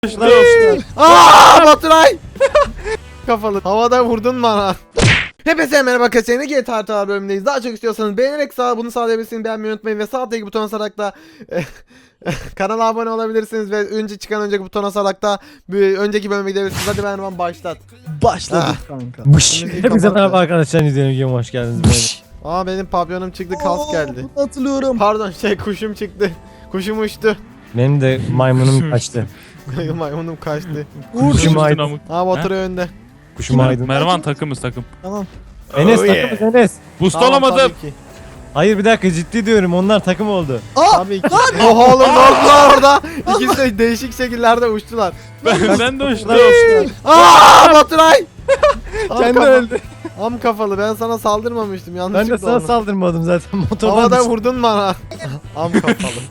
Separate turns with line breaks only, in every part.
Aaa Baturay! Kafalı. Havada vurdun bana. Hepinize merhaba arkadaşlar. Yeni GTA Haritalar bölümündeyiz. Daha çok istiyorsanız beğenerek bunu sağlayabilirsiniz. Beğenmeyi unutmayın ve sağ alttaki butona basarak da kanala abone olabilirsiniz ve önceki butona basarak da önceki bölüme gidebilirsiniz. Hadi ben hemen başlat.
Başladık kanka.
Müziği
Hepinize
kapat
merhaba
ya.
arkadaşlar, izleyen videoma hoş geldiniz.
Aa benim pavyonum çıktı, kas geldi.
Hatırlıyorum.
Pardon kuşum çıktı. Kuşum uçtu.
Benim de maymunum kaçtı.
Maymunum kaçtı.
Kuşum aydın.
Aa Baturay önde.
Kuşum aydın.
Mervan takımız takım.
Tamam.
Enes
Oh yeah.
takımız Enes.
Boost
Tamam,
olamadım.
tabii ki.
Hayır bir dakika, ciddi diyorum, onlar takım oldu.
Tabii ki. Oha oğlum ne oldular orada? İkisi de değişik şekillerde uçtular.
Ben de uçtum.
Aaa Baturay!
Kendi öldü.
Am kafalı, ben sana saldırmamıştım,
Ben
yanlışlıkla
de sana
oldu.
saldırmadım zaten, motordan
Havada
düştüm.
vurdun bana. Am kafalı.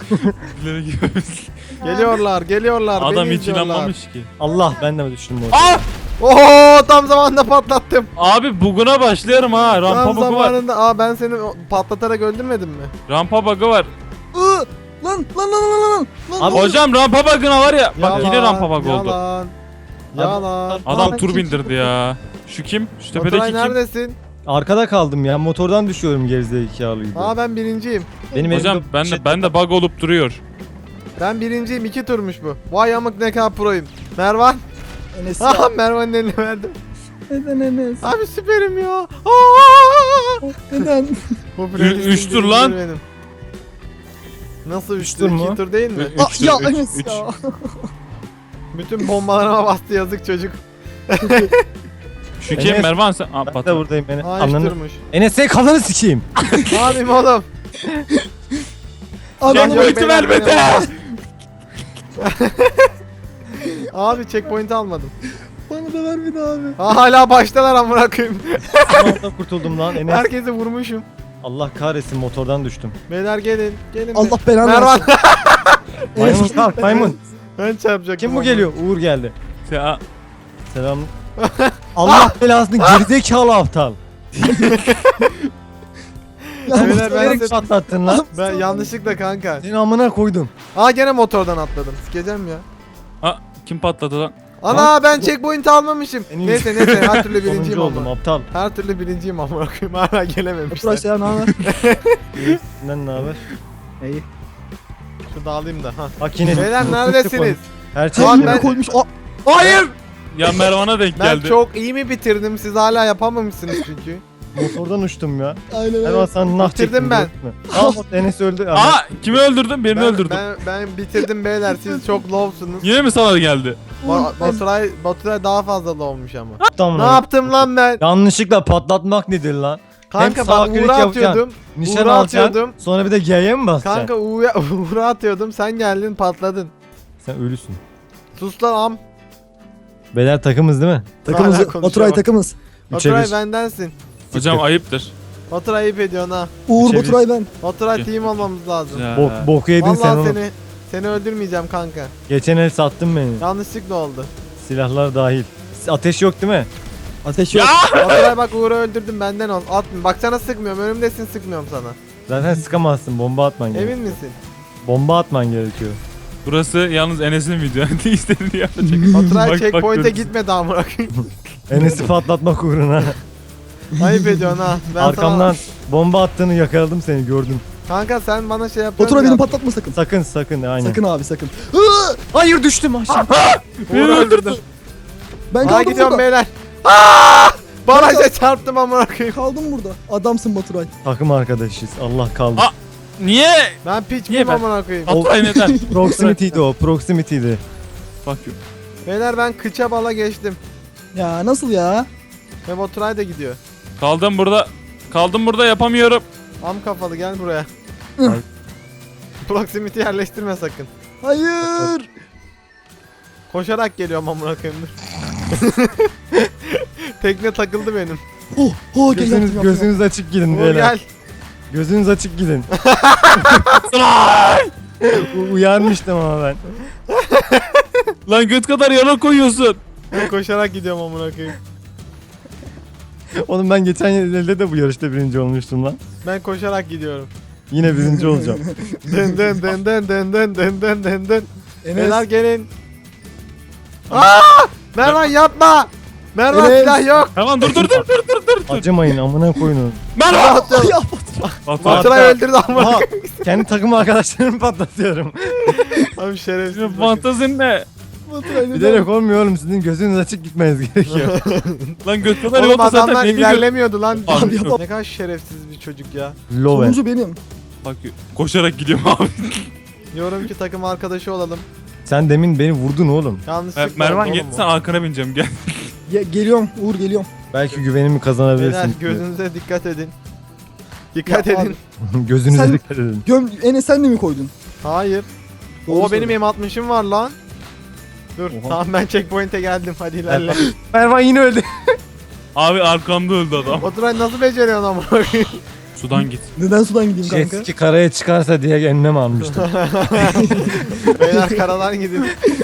Geliyorlar
Adam
beni
hiç
izliyorlar.
inanmamış ki.
Allah, ben de düştüm motordan.
Aa!
Oho tam zamanında patlattım.
Abi buguna başlıyorum ha. Rampa
Tam
bug'u var.
zamanında. Aa ben seni patlatarak öldürmedim mi?
Rampa bug'u var.
Lan.
Abi,
Hocam rampa bug'ına var ya. Bak yine rampa bug oldu.
Yalan. Yalan.
Adam
Aa,
tur
kim
bindirdi ya. Şu kim? Şu tepedeki
Baturay
kim?
neredesin?
arkada kaldım ya, motordan düşüyorum gerizekalı gibi.
Aa ben birinciyim.
Benim
Hocam
elimde
ben de bug olup duruyor.
Ben birinciyim, 2 turmuş bu. Vay amık ne kadar proyum. Mervan.
Enes
Aha
ya.
Mervan'ın eline verdim.
Neden Enes?
Abi süperim ya. Aa!
Neden?
Bu playlistin
Üç tur lan.
birincisi benim. Nasıl 3
tur
tur?
mu?
2 tur değil mi?
Üç
Aa,
tur,
ya
üç,
Enes
üç.
ya.
Bütün bombalarıma bastı yazık çocuk.
Şu kim?
Enes,
Mervan sen. Aa,
ben de
patladı.
buradayım Enes.
Aa 3
Ananı...
turmuş.
Enes senin kafanı sikeyim.
Ne yapayım oğlum?
Ananı
Checkpoint'i
Beyler,
vermedi.
beni Abi checkpoint'i almadım.
bana da ver bir daha abi.
Aa, hala baştalar amına koyayım.
Son anda kurtuldum lan Enes.
Herkesi vurmuşum.
Allah kahretsin, motordan düştüm.
Beyler gelin. Gelin.
Allah belanı
Mervan.
versin.
Maymun kalk maymun.
Ben çarpacaktım.
Kim bu
ama.
geliyor? Uğur geldi.
Ya,
Selam. Allah belasını, gerizekalı aptal.
Beyler, ben
Bilerek
size-
patlattın lan.
Ben yanlışlıkla kanka.
Seni amına koydum.
Aa gene motordan atladım. Sikeceğim ya.
aa, kim patladı lan?
Ana ben checkpoint'i almamışım.
En iyi-
Neyse her türlü birinciyim
Sonuncu oldum
ama.
aptal.
Her türlü birinciyim ama koyayım. Hala gelememişler.
Baturay selam ne haber?
Senden ne haber?
İyi.
Şurada alayım da. Ha.
Bak yine.
Beyler neredesiniz?
Her şey.
Lan
Lan
ben-
koymuş. Aa,
Hayır! Ya Mervan'a denk
Ben
geldi.
çok iyi mi bitirdim? Siz hala yapamamışsınız çünkü.
Motordan uçtum ya.
aynen
Ben
öyle.
sana nah
Bitirdim
çektim.
ben.
gördün mü? Al bak, Enes öldü.
Aa, kimi öldürdün? Birini öldürdüm.
Ben bitirdim beyler. Siz çok low'sunuz.
Yine mi sana geldi?
Baturay daha fazla low'muş ama.
Aptal
Ne
mı?
yaptım lan ben?
Yanlışlıkla patlatmak nedir lan?
Kanka
sağ
ben
klik
Uğur'a
yapacaksın.
atıyordum.
Nişan
Uğur'a
alacaksın.
atıyordum.
Sonra bir de G'ye mi basacaksın?
Kanka Uğur'a atıyordum. Sen geldin patladın.
Sen ölüsün.
Sus lan am.
Beyler takımız değil mi?
Takımız.
Hala konuşuyor
Baturay
bak.
takımız.
Baturay
3'e 1.
bendensin.
Hocam ayıptır.
Baturay ayıp ediyorsun ha.
Uğur
Çevir.
Baturay ben.
Baturay
Okey.
team olmamız lazım.
Ya.
Boku yedin sen
Vallahi
onu.
seni öldürmeyeceğim kanka.
Geçen el sattın beni.
Yanlışlıkla oldu.
Silahlar dahil. Ateş yok değil mi?
Ateş
Ya!
yok.
Baturay bak Uğur'u öldürdüm benden ol. Atma. Bak sana sıkmıyorum. Önümdesin sıkmıyorum sana.
Zaten sıkamazsın. Bomba atman gerekiyor.
Emin misin?
Bomba atman gerekiyor.
Burası yalnız Enes'in video. Ne istediğini yapacak.
Baturay
Bak,
checkpoint'e
bak,
gitmedi amına koyayım.
Enes'i patlatmak uğruna.
Ayıp ediyorsun ha. Ben
Arkamdan bomba attığını yakaladım, seni gördüm.
Kanka sen bana şey yapıyorsun.
Baturay
ya.
beni patlatma sakın.
Sakın aynen.
Sakın abi sakın.
Hayır, düştüm aşağı.
Uğur'u öldürdüm.
Ben
Aa
kaldım
gidiyorum
burada.
beyler. Aa! Baraja çarptım amına koyayım.
Kaldım burada. Adamsın Baturay.
Takım arkadaşıyız. Allah kaldı.
Aa! Niye?
Ben piç
Niye
miyim
ben?
amına koyayım.
Baturay neden?
Proximity'di o. Proximity'di.
Fuck you.
Beyler ben kıça bala geçtim.
Ya nasıl ya?
Ve Baturay da gidiyor.
Kaldım burada. Kaldım burada, yapamıyorum.
Am kafalı gel buraya.
Ay.
Proximity yerleştirme sakın.
Hayır.
Koşarak geliyorum amına koyayım. Tekne takıldı benim.
Oh gel yaptım.
Gözünüz açık gidin
Uğur
beyler.
gel.
Gözünüz açık gidin. Uyarmıştım ama ben.
Lan göt kadar yana koyuyorsun.
Ben koşarak gidiyorum amına koyayım.
Oğlum ben geçen elde de bu yarışta birinci olmuştum lan.
Ben koşarak gidiyorum.
Yine birinci olacağım.
Dın dın dın dın dın dın dın dın dın dın. Beyler
Enes.
gelin. Mervan yapma. Mervan
Evet.
silah yok.
Tamam dur.
Acımayın amına koyunu.
Merhaba.
Atıyorum.
Ya
Baturay.
Baturay öldürdü ama.
Aha, kendi takım arkadaşlarımı patlatıyorum.
Abi şerefsiz.
Senin
bakın.
fantazin ne?
Baturay neden?
Bilerek olmuyor oğlum, sizin gözünüz açık gitmeniz gerekiyor.
Lan göt kadar
Oğlum
yolda zaten
adamlar
ne biliyor?
ilerlemiyordu lan.
Abi
yapma.
Ne kadar şerefsiz bir çocuk ya.
Loven.
Sonuncu benim.
Bak koşarak gidiyorum abi.
Diyorum ki takım arkadaşı olalım.
Sen demin beni vurdun oğlum.
Yanlışlıkla
Mervan
oldu
gel
oğlum
sen arkana bineceğim gel.
Geliyorum Uğur geliyorum.
Belki güvenimi
bu. Beyler
kazanabilirsin.
gözünüze dikkat edin. Dikkat
Ya
edin.
Gözünüze
Sen-
dikkat edin.
Enes sen de mi koydun?
Hayır.
Doğru
O benim
söyle.
M60'ım var lan. Dur
Oha.
tamam ben checkpoint'e geldim hadi ilerle.
Mervan yine öldü.
Abi arkamda öldü adam.
Oturay nasıl beceriyorsun ama?
Sudan git.
Neden sudan gideyim
Jet
kanka?
ski karaya çıkarsa diye önlem almıştım.
Beyler karadan gidin.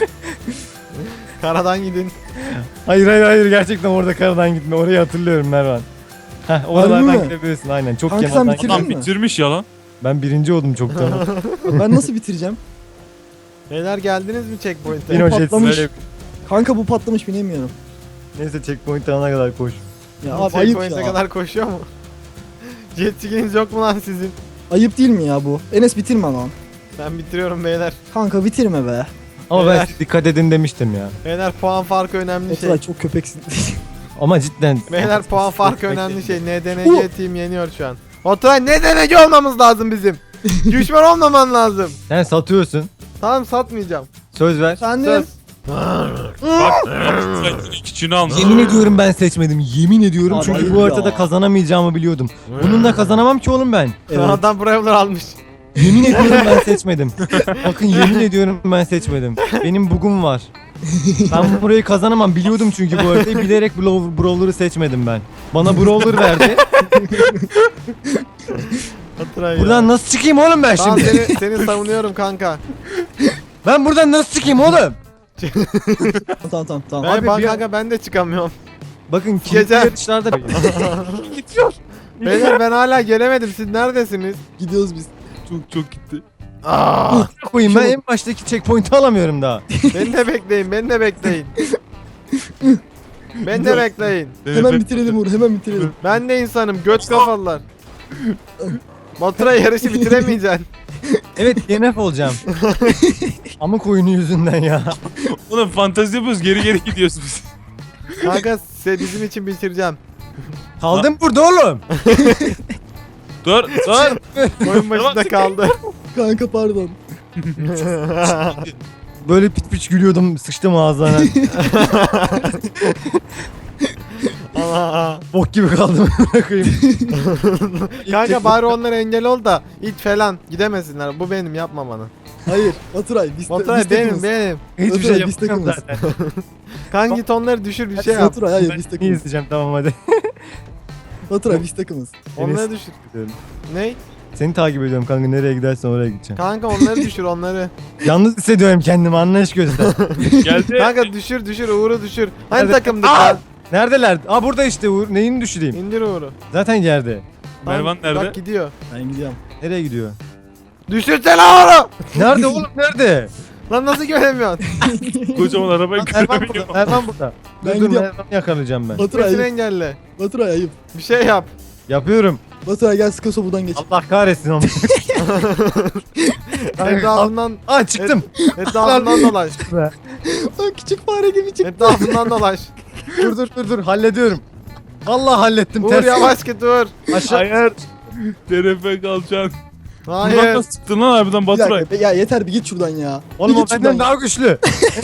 Karadan gidin.
Hayır gerçekten orada karadan gitme. Orayı hatırlıyorum Mervan. Heh,
Harbi
oralardan
mi?
gidebilirsin aynen. Çok
Kanka sen
kenardan.
bitirdin
Adam
mi?
bitirmiş ya lan.
Ben birinci oldum çoktan.
Ben nasıl bitireceğim?
Beyler geldiniz mi checkpoint'e?
Yine o jet
patlamış.
ski.
Kanka bu patlamış binemiyorum.
Neyse checkpoint alana kadar koş.
Ya abi ayıp
Checkpoint'e
ya.
kadar koşuyor mu? Jet ski'niz yok mu lan sizin?
Ayıp değil mi ya bu? Enes bitirme lan.
Ben bitiriyorum beyler.
Kanka bitirme be.
Ama ben
Beyler.
size dikkat edin demiştim ya.
Beyler puan farkı önemli şey.
Oturay çok köpeksin.
Ama cidden.
Beyler puan farkı önemli şey. NDNC team yeniyor şu an. Oturay NDNC olmamız lazım bizim. Düşman olmaman lazım.
Sen satıyorsun.
Tamam satmayacağım.
Söz ver.
Sen de
Söz.
Bak sen küçüğünü almış.
Yemin ediyorum ben seçmedim. Yemin ediyorum
Abi
çünkü
ayıp
bu
ya.
haritada kazanamayacağımı biliyordum. Bununla kazanamam ki oğlum ben.
Evet.
Adam Brawler almış.
Yemin ediyorum ben seçmedim. Bakın yemin ediyorum ben seçmedim. Benim bugum var. Ben burayı kazanamam biliyordum çünkü bu haritayı bilerek Brawler'ı seçmedim ben. Bana Brawler verdi.
Oturay ya.
Buradan nasıl çıkayım oğlum ben
Tamam
şimdi?
seni savunuyorum kanka.
Ben buradan nasıl çıkayım oğlum?
Tamam.
Ben
Abi
bak
bir-
kanka ben de çıkamıyorum.
Bakın
Gece-
kilitli yarışlarda gidiyor.
Beyler ben hala gelemedim. Siz neredesiniz?
Gidiyoruz biz.
Çok gitti.
Aa,
Koyayım ben en baştaki checkpoint'i alamıyorum daha.
beni de bekleyin. Beni de bekleyin. Beni de bekleyin.
Hemen bitirelim Uğur hemen bitirelim.
Ben de insanım. Göt kafalılar. Baturay yarışı bitiremeyeceksin.
Evet DNF olacağım. Amık oyunu yüzünden ya.
Oğlum fantezi yapıyoruz geri gidiyoruz biz.
Kanka size bizim için bitireceğim.
Kaldım burada oğlum.
Dur.
Oyun başında kaldı.
Kanka pardon.
Böyle pit piç gülüyordum, sıçtım ağzına.
Allah.
Bok gibi kaldım. Bırakayım.
Kanka bari onlara engel ol da it falan gidemesinler. Bu benim yapma bana.
Hayır Baturay biz
Baturay
biz
benim
takımız.
benim.
Hiçbir
Oturay,
şey
biz
yapmıyorum
takımız.
zaten.
Kanka git onları düşür bir şey yap.
Baturay hayır
Ben
biz
iyi
takımız.
izleyeceğim tamam hadi.
Baturay biz takımız.
Onları düşür. Ne?
Seni takip ediyorum kanka, nereye gidersen oraya gideceğim.
Kanka onları düşür onları.
Yalnız hissediyorum kendimi, anlayış göster.
Geldi.
Kanka düşür Uğur'u düşür. Hani
Nerede?
takımdık
Aa!
lan?
Neredeler? Aa burada işte Uğur. Neyini düşüreyim?
İndir Uğur'u.
Zaten yerde.
Mervan nerede?
Bak gidiyor.
Ben gidiyorum.
Nereye gidiyor?
Düşürsene Uğur'u.
Nerede oğlum nerede?
Lan nasıl göremiyorsun?
Kocaman arabayı
Lan Ervan burada.
görebiliyorum.
Ervan burada.
Ben
Dur dur
gidiyorum.
Ervan'ı yakalayacağım ben.
Baturay
Sesini
ayıp.
engelle.
Baturay ayıp.
Bir şey yap.
Yapıyorum.
Baturay gel Skoso buradan geç.
Allah kahretsin onu.
Etrafından,
Aa çıktım.
etrafından dolaş.
Lan küçük fare gibi çık.
Etrafından dolaş.
Dur hallediyorum. Allah hallettim.
Uğur
ters.
yavaş git Uğur.
Aşağı.
Hayır. TRF kalacaksın. Buradan
Hayır.
nasıl çıktın lan harbiden
Bir
Baturay?
dakika ya yeter bir git şuradan ya.
Oğlum
Bir
o
git
benden
şuradan.
daha güçlü.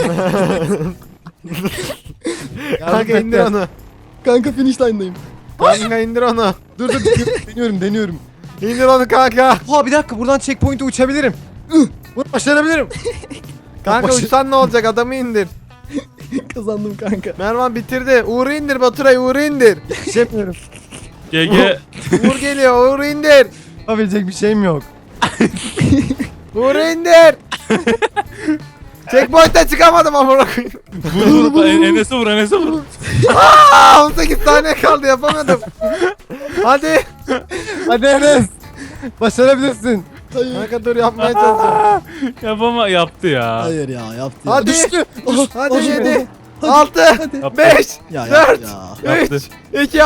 Kanka indir onu.
Kanka finish line'dayım.
Kanka indir onu.
Dur deniyorum.
İndir onu kanka.
Ha bir dakika, buradan checkpoint'e uçabilirim. Bunu başarabilirim.
Kanka
Bak-
uçsan ne olacak adamı indir.
Kazandım kanka.
Mervan bitirdi. Uğur'u indir Baturay Uğur'u indir.
Geçemiyorum.
GG.
Uğur geliyor Uğur'u indir.
Yapabilecek bir şeyim yok.
Uğur'u indir. Checkpoint'ten çıkamadım amına koyayım.
Vur Enes'e vur Enes'e vur.
Aa 18 saniye kaldı yapamadım. Hadi.
Hadi Enes. Başarabilirsin.
Hayır.
Kanka dur yapmaya çalışıyorum.
Yapama yaptı ya.
Hayır ya yaptı ya.
Hadi.
Düştü.
Hadi
Oh,
7,
hadi.
6,
Yaptı.
5,
Ya
4,
ya.
Yaptı.
3, 2,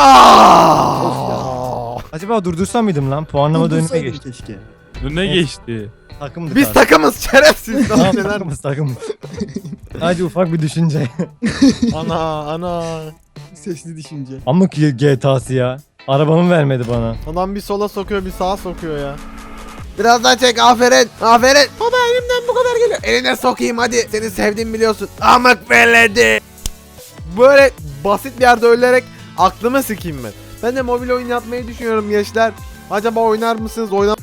Acaba durdursam mıydım lan? Puanlama önüne
Durdursaydın
geçti.
keşke.
Önüne geçti.
Takımdık
Biz
abi.
takımız şerefsiz.
Tamam,
Neler?
takımız. Hadi ufak bir düşünce.
Ana.
Sesli düşünce.
Ama ki GTA'sı ya. Arabamı vermedi bana.
Adam bir sola sokuyor bir sağa sokuyor ya. Biraz daha çek aferin. Aferin. Baba elimden bu kadar geliyor. Eline sokayım hadi. Seni sevdiğimi biliyorsun. Amık beledi. Böyle basit bir yerde ölerek aklımı sikeyim ben. Ben de mobil oyun yapmayı düşünüyorum gençler. Acaba oynar mısınız?